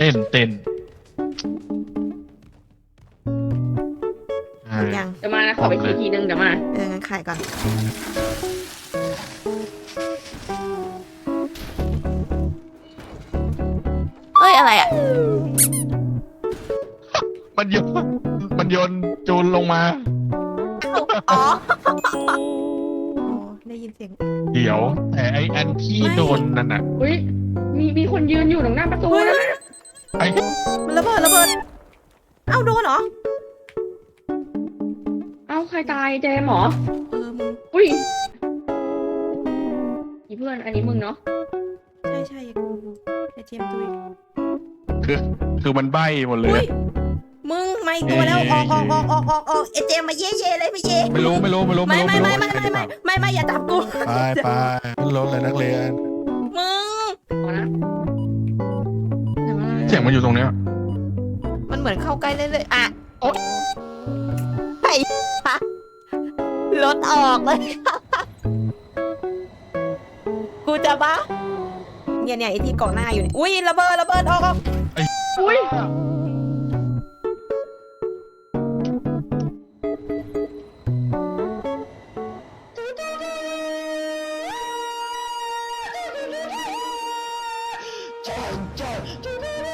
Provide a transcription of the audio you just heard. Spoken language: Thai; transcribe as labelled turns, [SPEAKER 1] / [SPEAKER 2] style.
[SPEAKER 1] เต้น
[SPEAKER 2] ยัง
[SPEAKER 3] เดี๋ยวมานะขอไปทีนึงเดี๋ยวมา
[SPEAKER 2] งั้นขายก่อนเอ้ยอะไรอ่ะ
[SPEAKER 1] มันโยนจูนลงมา
[SPEAKER 2] อ๋อได้ยินเสียง
[SPEAKER 1] เดี๋ยวแต่ไออันที่โดนนั่นน่ะ
[SPEAKER 3] อุ้ยมีคนยืนอยู่ตรงหน้าประตูนะ
[SPEAKER 1] ไอ
[SPEAKER 2] มันระเบิดเอ้าโดนเหรอ
[SPEAKER 3] เอ้าใครตายเจมเหรอ
[SPEAKER 2] มึง
[SPEAKER 3] อุ้ยอีเพื่อนอันนี้มึงเนาะ
[SPEAKER 2] ใช่ไอเจมส์ตุย
[SPEAKER 1] คือมันใบ้หมดเลย
[SPEAKER 2] อุ้ย
[SPEAKER 1] อะ
[SPEAKER 2] มึงไม่ตัวแล้วออกไอเจมส์มาเย่เลยไม่เย่
[SPEAKER 1] ไม่รู้
[SPEAKER 2] ไม่อย่าจับกู
[SPEAKER 4] ไปขึ้นรถเลยนักเรียน
[SPEAKER 2] มึง
[SPEAKER 3] ขอนะเดี๋ยวมา
[SPEAKER 1] เสียงมันอยู่ตรงเนี้ย
[SPEAKER 2] มันเหมือนเข้าใกล้เรื่อยๆอ่ะโอ๊ยไอ้ฮะรถออกเลย กูจะบ้าเนี่ยไอ้ที่เกาะหน้าอยู่เนี่ยอุ้ยระเบิดออก
[SPEAKER 3] อุ้ย
[SPEAKER 2] เ